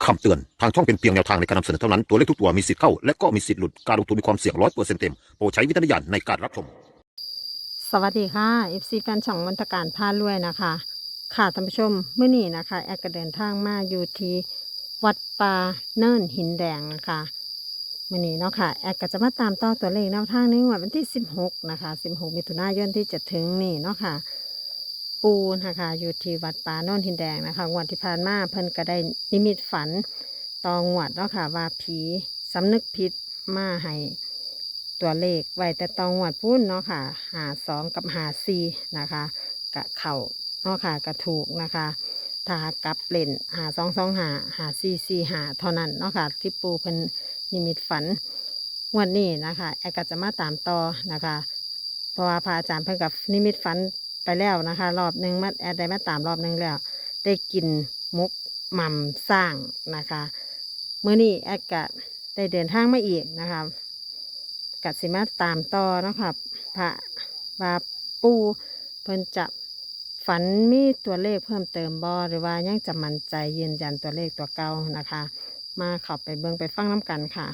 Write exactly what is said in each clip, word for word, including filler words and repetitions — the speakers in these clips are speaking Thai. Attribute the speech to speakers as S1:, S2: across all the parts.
S1: คำเตือนทางช่องเป็นเพียงแนวทางในการนำเสนอเท่านั้นตัวเลขทุกตัวมีสิทธิ์เข้าและก็มีสิทธิ์หลุดการลงทุนมีความเสี่ยงร้อยเปอร์เซ็นต์เต็มโปรดใช้วิจารณญาณในการรับชม
S2: สวัสดีค่ะ เอฟ ซี แฟนช่องมนตการพารวยนะคะ ค่ะท่านผู้ชมเมื่อนี้นะคะแอดก็เดินทางมาอยู่ที่วัดป่าเนินหินแดงนะคะเมื่อนี้เนาะค่ะแอดก็จะมาตามต่อตัวเลขแนวทางในงวดวันที่สิบหกนะคะสิบหกมิถุนายนที่จะถึงนี่เนาะค่ะปูนะคะอยู่ที่วัดป่าเนินหินแดงนะคะงวดที่ผ่านมาเพิ่นก็ได้นิมิตฝันต่องวดเนาะค่ะว่าผีสำนึกผิดมาให้ตัวเลขไว้แต่ตองวดพุ่นเนาะค่ะหาสองกับหาสี่นะคะกะเข่าเนาะค่ะกะถูกนะคะถ้ากลับเล่นหาสองสองหาหาสี่สี่หาเท่านั้นเนาะค่ะที่ปูเพิ่นนิมิตฝันงวดนี้นะคะแอร์ก็จะมาตามต่อนะคะเพราะว่าพระอาจารย์เพิ่นกับนิมิตฝันไปแล้วนะคะรอบหนึ่งมาแอร์ได้มาตามรอบหนึ่งแล้วได้กินมุกหม่ำสร้างนะคะเมื่อนี้แอร์ก็ได้เดินทางมาอีกนะคะกัดสิมาตามต่อเนาะค่ะพระว่าปูเพิ่นจะฝันมีตัวเลขเพิ่มเติมบ่หรือว่ายังจะมั่นใจยืนยันตัวเลขตัวเก่านะคะ มาเข้าไปเบิ่งไปฟังน้ำกันค่ะ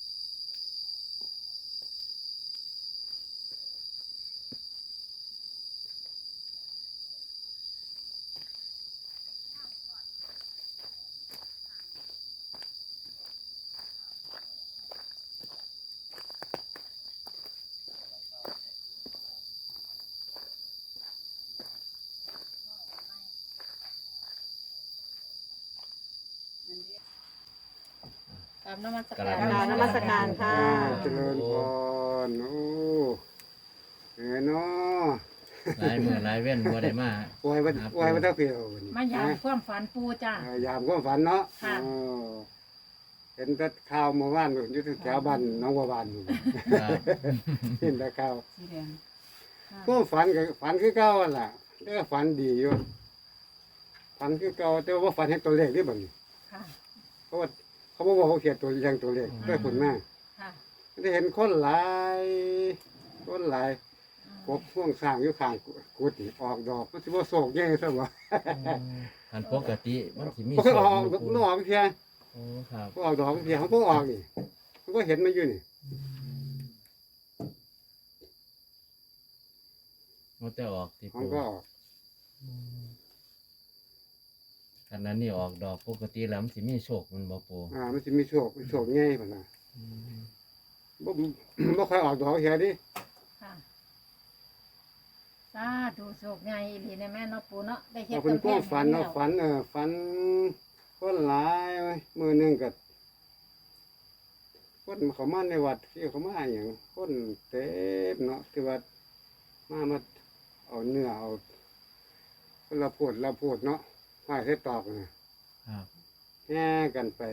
S3: กราบนมัส
S4: ก
S3: การ
S4: ราบ
S2: กราบนมัสการค่ะ
S5: เจริญพรโอ้เอ๋เนาะ
S4: หลายมือหลายเว้นบ่ได้มา
S5: ปล่อยมันปล่อยมันเท่าเปรียววันนี้
S3: มายามความฝันปูจ้า
S5: เออยามความฝันเนาะ
S3: ค่ะ
S5: เออเห็นแต่ข่าวเมื่อวานอยู่ที่แถวบ้านน้องบัวบานอยู่
S4: ครับ
S5: เห็นแต่ข่าว
S3: สีแดงค่ะ
S5: ก็ฝันกับฝันคือเก่าหั่นล่ะแต่ก็ฝันดีอยู่ฝันคือเก่าแต่ว่าฝันเห็นตัวเลขนี่บัดนี้
S3: ค่ะ
S5: เพราะว่าเขาบอกว่าเขาเขียนตัวอย่างตัวเลขด้วยผลมา
S3: ค่ะ
S5: ได้เห็นคนหลายคนหลายกบพ่วงสร้างอยู่ข้างกุฏิออกดอกมันสิบ่โศกแย่ซะบ่
S4: อันปกติมันสิมี
S5: มันก็ออก
S4: โชค
S5: มันออกเพียง
S4: โอ้ครับ
S5: มันออกดอกเพียงมันก็ออกนี่มันก็เห็นมันอยู่นี่
S4: มันแต่ออกที่
S5: มัน
S4: ปู
S5: ก็ออก
S4: อันนั้นนี่ออกดอกปกติแล้วมันสิมีโชคมันบ่ปู
S5: อ่ามันสิมีโชคมีโชคง่ายพุ่นน่ะบ่ บ่ค่อยออกดอกเฮียดิ
S3: ค่ะสาธุโชคใหญ่อีหลีในแม่เนาะปูเนาะได้เฮ็ด
S5: เอาเพิ่น
S3: กำแพ
S5: ก็
S3: ง
S5: ฝัน
S3: ให้
S5: เนาะ
S3: แล้ว
S5: ฝันเออฝันคนหลายเว้ยมื้อหนึงก็คนเขามาในวัดที่เขามาหยังคนเต็มเนาะที่วัดมามาเอาเนื้อเอาคนละโพดละโพดเนาะห้อยใส่ตอกน่ะ
S4: ครับ
S5: แห่กันไป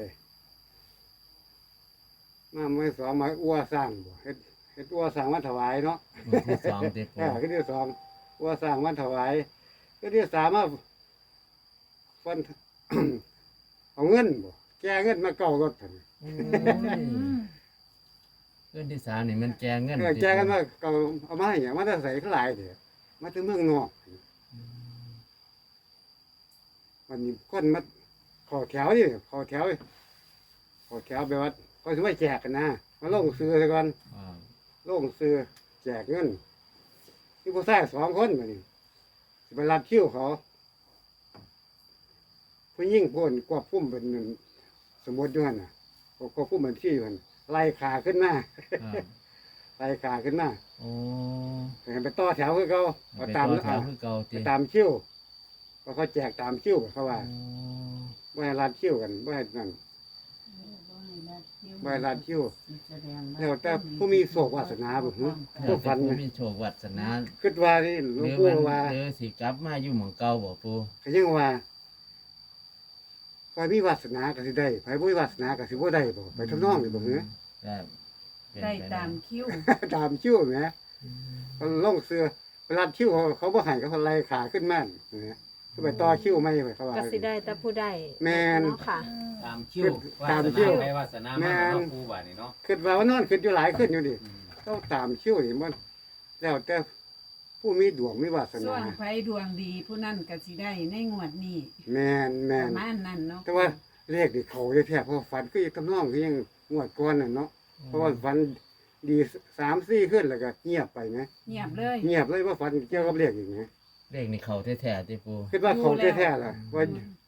S5: มาไม่สองมาอ้วสร้างบ่เฮ็ดเฮ็ดอ้วสร้างมาถวายเนาะ
S4: มือที่สองที่ปู
S5: เออคือที่สองอ้วสร้างมาถวายคือที่สามมาฟัน เอาเงินบ่แก้เงินมาเก่ารถซั่น
S4: โอ้
S3: อื
S4: ย
S3: ม
S4: เงินที่สามนี่มันแจงเงิน
S5: เออ
S4: ที่
S5: แก้กันมาเก่าเอามาให้หยังมาแต่ใส่หลายเด้อมาถึงเมืองนอกวันนี้คนมาเขอแถวนี่เขอแถวเขอแถวไปวัดเขาสิมาแจกกันนะมาลงซื้อซะก่อน
S4: อ่า
S5: ลงซื้อแจกเงินที่ผู้ชายสองคนมานี่สิไปรับคิวเขาผู้ยิ่งพ่นกวบพุ่มเป็นหนึ่งสมมติด้วยน่ะกวบพุ่มเป็นที่มันไล่ขาขึ้นมา
S4: ครับ
S5: ไล่ขาขึ้นมา
S4: โอ้
S5: เห็นไปต่อแถวคือเขา
S4: ไป
S5: เอา
S4: ต่
S5: ตา
S4: อ
S5: ม
S4: แถวคือเก่า
S5: ไป
S4: ติ
S5: ตามคิวเพราะเขาแจกตามคิวเขาว่า
S4: โอ้
S5: ไม่ให้รัดคิวกันไม่ให้นั่นไม่ให้รัดคิวแล้วแต่ผู้มีโศกวาสนาบ่ฮึ
S4: ถ้า
S5: ผู้ฝัน
S4: เป็น
S5: ไหม
S4: ผู้มีโชควาสนา
S5: คิดว่านี่หล
S4: ห
S5: วง
S4: รือ
S5: ปู่
S4: มัน
S5: ว่า
S4: หรือสิกลับมาอยู่หม่องเก่าบ่ปู
S5: ก็ยังว่าใครมีวาสนาก็สิได้ใครบ่มีวาสนาก็สิบ่ได้บ่ไปทำนองนี่บ่เหรอ
S4: ครับเป็น
S3: ได้
S4: ป
S3: ตามคิว
S5: ตามคิวแหมเขาลงเสื้อเวลาคิวเขาเขาบ่ให้เขาไล่ขาขึ้นมาเนี่ยคือไปต่อคิวไม่ไปเขาว่า
S2: ก็สิได้แต่ผู้ใด
S5: แม่น
S2: เนาะค่ะ
S6: ตามคิว
S5: ตามคิว
S6: ไปวาสนา
S5: แม่
S6: มาน เนาะครูบาดนี่เนาะ
S5: คิดว่าว่านอนคิดอยู่หลายขึ้นอยู่ดิ
S6: อืม
S5: ต้องตามคิวนี่มันแล้วแต่ผู้มีดวงมีวาส
S7: ส่
S5: นา
S7: วนไผดวงดีผู้นั้นก็สิได้ในงวดนี้
S5: แม่น
S7: ป
S5: แม่น
S7: ระมาณนั้นเนาะ
S5: แต่ว่าเลขนี่เขาแท้ๆเพราะฝันก็ยังกำนองคือยังงวดก่อนน่ะเนาะเพราะว่าฝันดีสามสี่ขึ้นแล้วก็เงียบไปนะ
S3: เงียบเลย
S5: เงียบเลยว่าฝันเกี่ยวกับเลขอีกนะ
S4: เลขนี่เขาแท้ๆที่ปู
S5: คิดว่าเขาแท้ๆล่ะว่า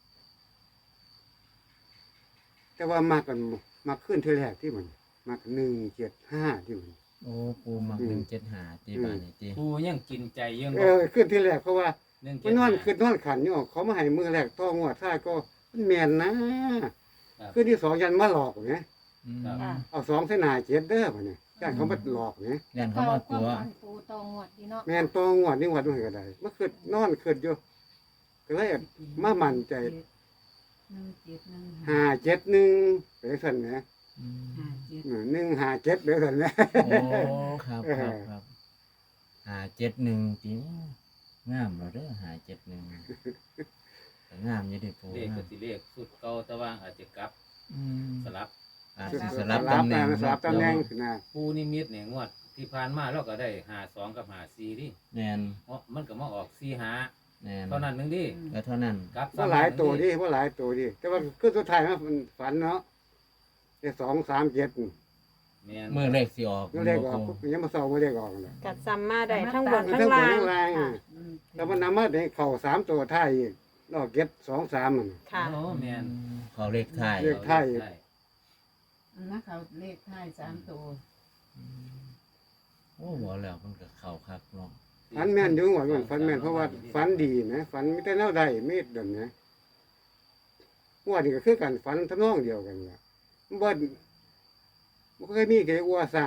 S5: แต่ว่ามากันมาขึ้นเท่าแรกที่มันมาหนึ่งเจ็ดห้าที่มัน
S4: โอ้ปูมัก
S5: อืม
S4: หนึ่งเจ็ดหาตีบานนี่ตี
S6: ปูยังกินใจยัง
S5: เออขึ้นที่แรกเพราะว่า
S6: เรื่อง
S5: มันนอนขึ้นนอนขันอยู่เขามาให้มือแรกต้องงวดท้ายก็มันแมนนะขึ้นที่สองยันมาหลอกไง
S4: อืม
S3: ค่ะ
S5: เอาสองเส้นหนาเจ็ดเด้อมาเนี่ยย่านเขามาหลอกไง
S4: ยันเขามาตัว
S3: ความฝันปูตองหวดดีเนาะ
S5: แมนตองงวดนี่งวดมันก็ได้เมื่อคืนนอนคืนอยู่ก็เลยมามั่นใจ
S3: หนึ่งเจ็ดหนึ่ง
S5: ห้าเจ็ดหนึ่งไปสั่นนะ
S4: อืม
S3: ห้าเจ็ด
S5: หนึ่งห้าเจ็ดไปสั่นนะ
S4: โอ้ครับครับครับหาเจ็ดหนึ่งตีงามเหราเด้อหาเจ็ดหนึ่งแต่งามอยี่เดิปู
S6: เลข
S4: งา
S6: ก็
S4: ม
S6: สิเลขสุดเก่าแต่ว่าอาจจะกลับ
S4: อืม
S6: สลับ
S4: อาจ
S5: ส
S4: จะส
S5: ลั
S4: ลั
S5: บบ ตำ
S4: ตำ
S5: แห
S4: แห
S5: น่
S4: น่
S5: ง
S4: ง
S5: สลับตำแหน่งขึ้นนะ
S6: ปูนิมิตเนี่ยงวดที่ผ่านมาเราก็ได้หาสองกับหาสี่ดิ
S4: แนน
S6: เพราะมันก็มาออกสี่หา
S4: แนน
S6: เท่านั้นหนึงดิ
S4: ก็เท่านั้น
S6: กลับ
S5: ว่าหลายตัวดิว่าหลายตัวดิแต่ว่าคือสุดท้ายมันฝันเนาะเดี๋ยวสองสามเจ็ด
S6: แม่น
S4: เมื่อเลขสิออก
S5: ก็เลขออกยังมาสองมาเลขออกเลย
S2: กัดซ้ำมาได้ทั้งบน
S5: มัน
S2: ทั้
S5: ทั้
S2: ง
S5: งบน
S2: ล่าง
S5: ทั้งล่าง
S2: ค่ะ
S5: อ่ะแต่มันนำมาในเข่าสามตัวท้ายอีกนอกเก็ตสองสามมัน
S2: ค่ะ
S6: โอ้แม่น
S4: เขาเลขไทาย
S5: เลข ไทย
S3: อันนะเขาเลขท้ายสามตัว
S4: โอ้บอกแล้วมันก็เข้าคักเนาะ
S5: ฝันแม่นอยู่หมดมันฝันแม่นเพราะว่าฝันดีนะฝันไม่แต่แนวใดไม่เดินนะว่านี่ก็คือกันฝันทำนองเดียวกันล่ะบ่บ่เคยมีใครอ้วสร้าง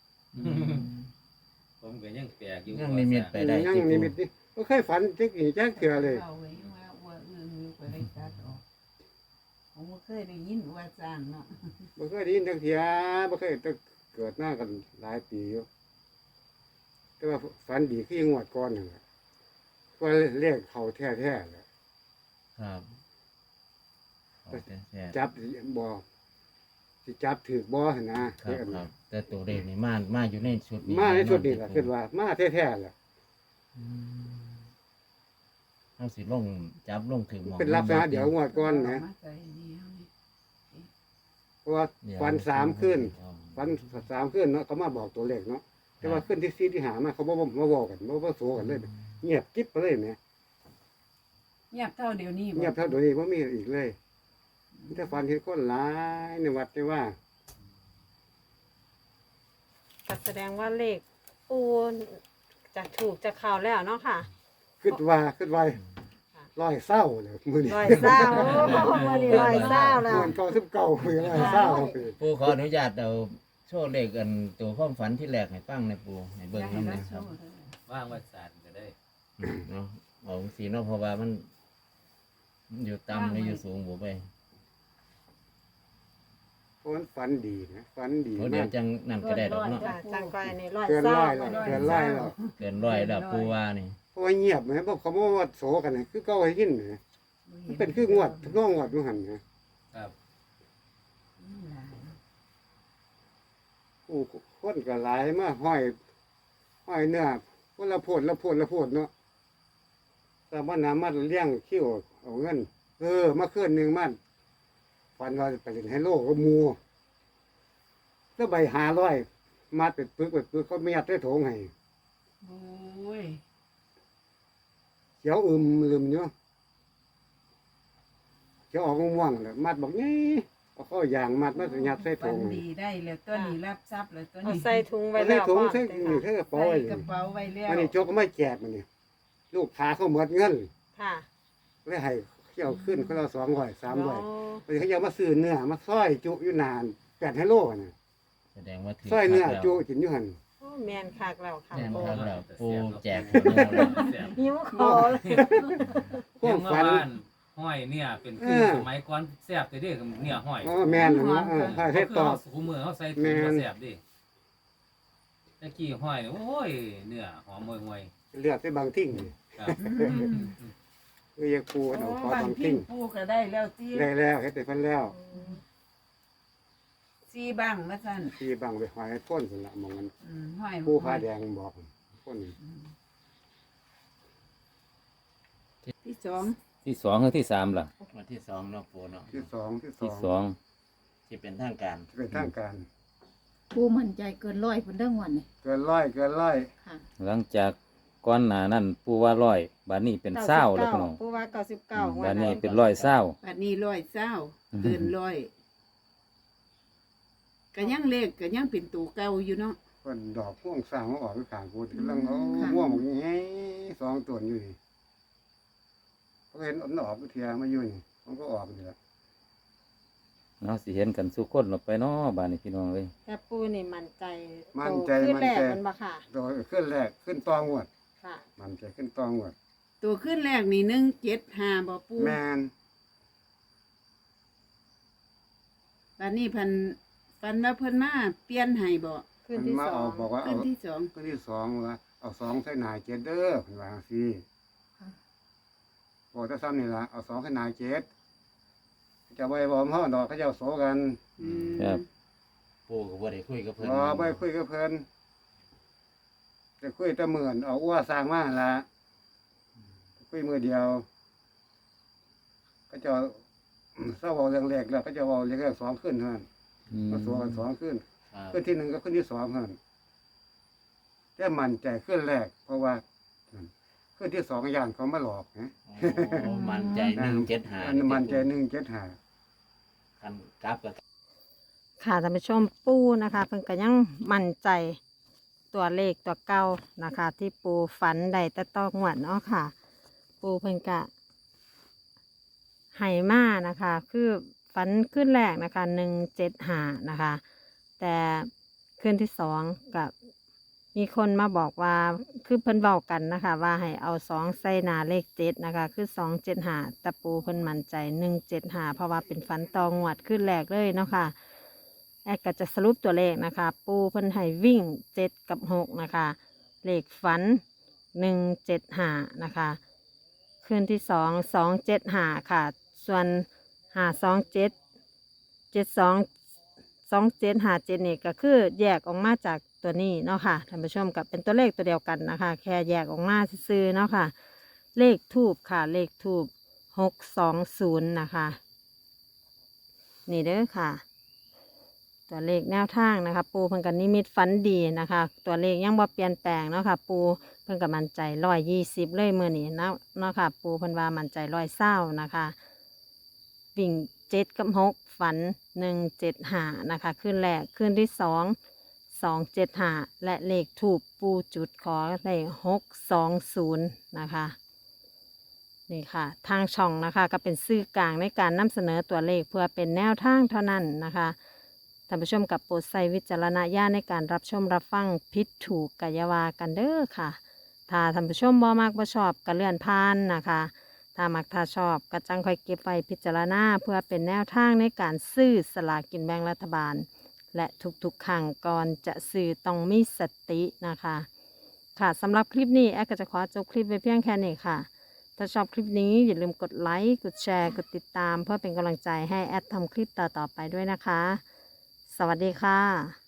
S6: ผมก็ยังแปลกอยู่
S4: ยังนิมิตไปได้
S5: ยัง
S4: ที่
S5: นิ
S4: ปู
S5: มิตนี่บ่เคยฝันจักอีจักเทื่อเลย
S3: เอาไว้ว่าว่าเอื้องอยู่ไปได้ตัดออกผมก็เคยได้ยินว่าสร้างเนาะ
S5: บ่เคยได้ยินจักเทื่อบ่เคยแต่เกิดหน้ากันหลายปีอยู่แต่ว่าฝันดีคือยังงวดก่อนนั่นแหละว่าเลขเขาแท้ๆแหละ
S4: ครับเขาแท้
S5: จับบ่สิจับถือบ่หั่นนะ
S4: ๆครับครับ แต่ตัวเลขนี่มามาอยู่ในชุดนี้
S5: มาในชุดนี้ล่ะ
S4: แ
S5: คิดว่า มาแท้ๆล่ะ
S4: อืมเอาสิลงจับลงถึงหมอง
S5: เป็นลักษณะเดี๋ยวงวดก่อนนะ
S3: มาใส่นี่เอานี่
S5: เพราะว่า
S4: เดี๋ยว
S5: ฟันสามขึ้น
S4: อ๋อ
S5: ฟันสามขึ้นเนาะเขามาบอกตัวเลขเนาะแต่ว่าขึ้นที่สี่ที่หามาเขาบ่มาบอกกันบ่บ่โสกันเลย เงียบกิ๊บไปเลยแหม
S3: เงียบเท่าเดี๋ยวนี้
S5: เงียบเท่าเดี๋ยวนี้บ่มีอีกเลยมีแต่ฟันเห็นคนหลายในวัดได้ว่า
S2: ก็แสดงว่าเลขปูจะถูกจะเข้าแล้วเนาะค่ะ
S5: คิดว่าคิดว่าร้อยเศร้าเลยมื้อนี้
S2: ร้อยเศร้าโอ้วันนี้ร้อยเศร้าแล้ว
S5: เงินเก้าสิบเก้ามื้อร้อยเศร้าไป
S4: ปูขออนุญาตเอาโชว์เลขกันตัวความฝันที่แรกให้ฟังในอยปูให้เบิ่ง
S3: ให้
S4: นำ
S3: เรา
S4: นะค
S3: โช
S4: รับ
S3: ว์เลย
S6: ว่างไว้ศาสตร์ก็ได้
S4: อืมเนาะเอาสีเนาะเพราะว่ามันมันอยู่ต่ำหรืออยู่สูงบ่ไป
S5: เพราะมันฝันดีนะฝันดี
S4: เพราะเดี๋ย
S5: มาว ก
S4: จังนั่นก็ได้ดอกเนาะ
S2: ค่ะจังก้อยนี่ร้อย
S5: เกิน
S2: เศร้า
S5: ร้อยแล้วเกินร้อยแล้ว
S4: เกินร้อยแล้วปูว่านี่
S5: เพราะว่าเงียบไหมบอกเขาบอกว่าโสกันนะคือเก้าให้ยินนะมันเป็นคืองวดทำนองงวดอยู่หันนะครับ
S3: อืมหลาย
S5: โอ้คนก็หลายมาห้อยห้อยเนื้อคนละโพดละโพดละโพดเนาะแต่ว่าน้ำมันเลี้ยงคิ้วเอาเงินเออมาเคลื่อนหนึ่งมันฟันว่าไปเล่นไฮโลก็มูแล้วใบหาร้อยมาเป็นปึกเป็นปึกเขาไม่ยัดได้โถงให้
S3: โอ้ย
S5: เขียวอึมลืมอยู่เขียวออกม่วงๆเลยมัดบอกนี่เอาเข้ายางมัดมายัดใส่โถ
S3: ปัน
S5: งให้
S3: ดีได้แล้วตัวนี้รับทรัพย์แล้วตัว
S2: เอา
S3: นี้
S2: ใส่ถุงไว้
S5: ใส่
S2: แล้ว
S5: ถุง
S2: พร้อม
S5: ใส่
S2: เลย
S5: นี่
S2: ค่ะ
S5: ใส่กระเป๋า
S3: ใส่
S5: ไว้
S3: กระเป๋าไว้แล้ว
S5: มันนี่โจกก็ไม่แจกมันนี่ลูกค้าเขาหมดเงิน
S2: ค่ะ
S5: เลยให้เที่ยวขึ้นเขาเราสองร้อยสามร้อย
S2: โอ้
S5: มันเขาจะมาซื้อเนื้อมาซอยจุอยู่นานแปดไฮโลน่ะ
S4: แสดงว่าถือ
S5: ซอยเนื้อ
S4: คักแล้ว
S5: จุกินอยู่หัน
S2: โอ้แมนคักแล้วค่ะ
S4: แม่น
S2: ปู
S4: คักแล้วปูแจกหัวโน้แล้ว
S2: หิวคอเลย
S5: พวกฝัน
S6: เรื่องเมื่อวานห้อยเนี่ยเป็นคือ
S5: เออ
S6: สมัยก่อนแซ่บแต่เด้กับเนี่ยห้อย
S5: อ๋อแมนน่ะเนาะเออถ้าให้ตอบ
S6: หูมือเขาใส่ถุ
S5: แม่
S6: ง
S5: น
S6: มาแซ่บดิตะกี้ห้อยเนี่ยโอ้ยเนื้อหอมห่วย
S5: เลือดไปบางทิ้งนี่
S6: ๆครับ
S5: คือยังปูเอา
S3: โอ้
S5: ขอบ
S3: าง
S5: บาง
S3: พิ
S5: ทิ้
S3: ง
S5: ง
S3: ปูก็ได้แล้วที่
S5: ได้แล้วเฮ็ดได้เพิ่นแล้ว
S3: ซีบังมาสั่น
S5: ที่บางไปหอยพ่นพุ่นละหมองมัน
S3: อืมห้อย
S5: ปูผ้าแดงบอกพ่น
S3: ที่สอง
S6: ที่สองหรือที่สามล่ะ
S4: วันที่สองเนาะปูเนาะ
S5: ที่สองที่ส
S6: ที่
S5: อง
S6: สอง
S4: ที่เป็นทางการ
S5: ที่เป็นทางการ
S3: ปูมั่นใจเกินร้อยคนเรื่องวันนี่
S5: เกินร้อยเกินร้อย
S3: ค่ะ
S6: หลังจากก่อนหน้านั้นปูว่าร้อยบาดนี้เป็นเศร้าแล้วพี่น้อง
S2: ปูว่าเก้าสิบเก้า
S6: บาดนี้เป็นร้อยเศร้า
S7: บัดนี้ร้อยเศร้าเกินร้อยก็ยังเลขก็ยังเป็นตัวเก่าอยู่เนาะ
S5: เพิ่นดอกพ่วงสร้างมาออกไปข้างกูกำลังเอา
S7: ค่ะ
S5: ม่วงอย่างงี้สองตัวอยู่นี่เขาเห็นอันออกเทียมาอยู่นี่มันก็ออกนี่แหละ
S6: เนาะสิเห็นกันสุกคนหลบไปเนาะบาดนี้พี่น้องเลย
S2: แต่ปูนี่มั่นใจ
S5: มั่นใจ
S2: โตขึ้น
S5: มั่น
S2: แรก
S5: ใจ
S2: มันบ่ค่ะ
S5: ตัวขึ้นแรกขึ้นตองวด
S2: ค่ะ
S5: มันใจขึ้นตองวด
S7: ตัวขึ้นแรกนี่หนึ่งเจ็ดห้าบ่ปู
S5: แมน
S7: บัดนี้เพันฟันว่าเพิ่นมาเปลี่ยนให้บ่
S2: ขึ้น
S5: มัน
S2: ที่
S5: มา
S2: สอ
S5: เอา
S2: ง
S5: บอกว่า
S7: ขึ้
S5: เอา
S7: นที่สอง
S5: ขึ้นที่สองว่าเอาสองใส่หนายเจ็ดเด้อเพิ่นว่าจังซี่บอกจะซ้ำนี่ล่ะเอาสองใส่หนายเจ็ดจะไว้บ่มเฮาดอกเขาเจ้าโสกัน
S7: อืม
S6: ครับ
S4: ปูก็บ่ได้คุยกับเพิ่น
S5: บ่ไปคุยกับเพิ่นจะคุยแต่หมื่นเอาอ้วสร้างมาหั่นล่ะคุยมือเดียวก็จะเศร้าเว้าเรื่องแรกแล้วก็จะเว้าเรื่องแรกสองขึ้นเท่านั้น
S6: อืม
S5: มาสัวกันสองขึ้น
S4: ครับ
S5: ขึ้นที่หนึ่งก็ขึ้นที่สองเท่านั้นแต่มั่นใจขึ้นแรก เพราะว่าขึ้นที่สองอย่างเขามาหลอกนะ
S4: โอ้มันใจหนึ่งเจ็ดห้า
S5: อันมั่นใจหนึ่งเจ็ดห้า
S4: คันกลับกับ
S2: ค่ะท่านผู้ชมปูนะคะเพิ่นก็ยังมั่นใจตัวเลขตัวเก่านะคะ ที่ปูฝันได้แต่ต้องหวดเนาะค่ะ ปูเพิ่นกะไหมานะคะ คือฝันขึ้นแรกนะคะหนึ่งเจ็ดหานะคะ แต่ขึ้นที่สองกับมีคนมาบอกว่าคือเพิ่นเบากันนะคะ ว่าให้เอาสองใส่หนาเลขเจ็ดนะคะ คือสองเจ็ดหาแต่ปูเพิ่นมั่นใจหนึ่งเจ็ดหาเพราะว่าเป็นฝันตองหวดขึ้นแรกเลยเนาะค่ะ แอดก็จะสรุปตัวเลขนะคะ ปูเพิ่นให้วิ่งเจ็ดกับหกนะคะ เลขฝันหนึ่งเจ็ดหานะคะคืนที่สองสองเจ็ดหาค่ะ ส่วนหาสองเจ็ดเจ็ดสองสองเจ็ดหาเจ็ดนี่ก็คือแยกออกมาจากตัวนี้เนาะค่ะท่านผู้ชมกับเป็นตัวเลขตัวเดียวกันนะคะ แค่แยกออกมาซื่อๆเนาะค่ะ เลขทูบค่ะ เลขทูบหกสองศูนย์นะคะ นี่เด้อค่ะ ตัวเลขแนวทางนะคะ ปูเพิ่นกันนิมิตฝันดีนะคะ ตัวเลขยังบ่เปลี่ยนแปลงเนาะค่ะ ปูเพิ่นกับมั่นใจร้อยยี่สิบเลยมื่อนี้เนาะเนาะค่ะ ปูเพิ่นว่ามั่นใจร้อยเศร้านะคะ วิ่งเจ็ดกับหกฝันหนึ่งเจ็ดหานะคะขึ้นแรกขึ้นที่สองสองเจ็ดหาและเลขถูกปูจุดขอได้หกสองศูนย์นะคะ นี่ค่ะ ทางช่องนะคะก็เป็นสื่อกลางในการนำเสนอตัวเลขเพื่อเป็นแนวทางเท่านั้นนะคะท่านผู้ชมกับโปรดใช้วิจารณญาณในการรับชมรับฟังผิดถูกกายาวากันเด้อค่ะ ถ้าท่านผู้ชมบ่มักบ่ชอบก็เลื่อนผ่านนะคะ ถ้ามักถ้าชอบก็จังค่อยเก็บไว้พิจารณาเพื่อเป็นแนวทางในการซื้อสลากกินแบ่งรัฐบาล และทุกๆครั้งก่อนจะซื้อต้องมีสตินะคะ ค่ะสำหรับคลิปนี้แอดก็จะขอจบคลิปไว้เพียงแค่นี้ค่ะ ถ้าชอบคลิปนี้อย่าลืมกดไลค์กดแชร์กดติดตาม เพื่อเป็นกำลังใจให้แอดทำคลิปต่อๆไปด้วยนะคะ สวัสดีค่ะ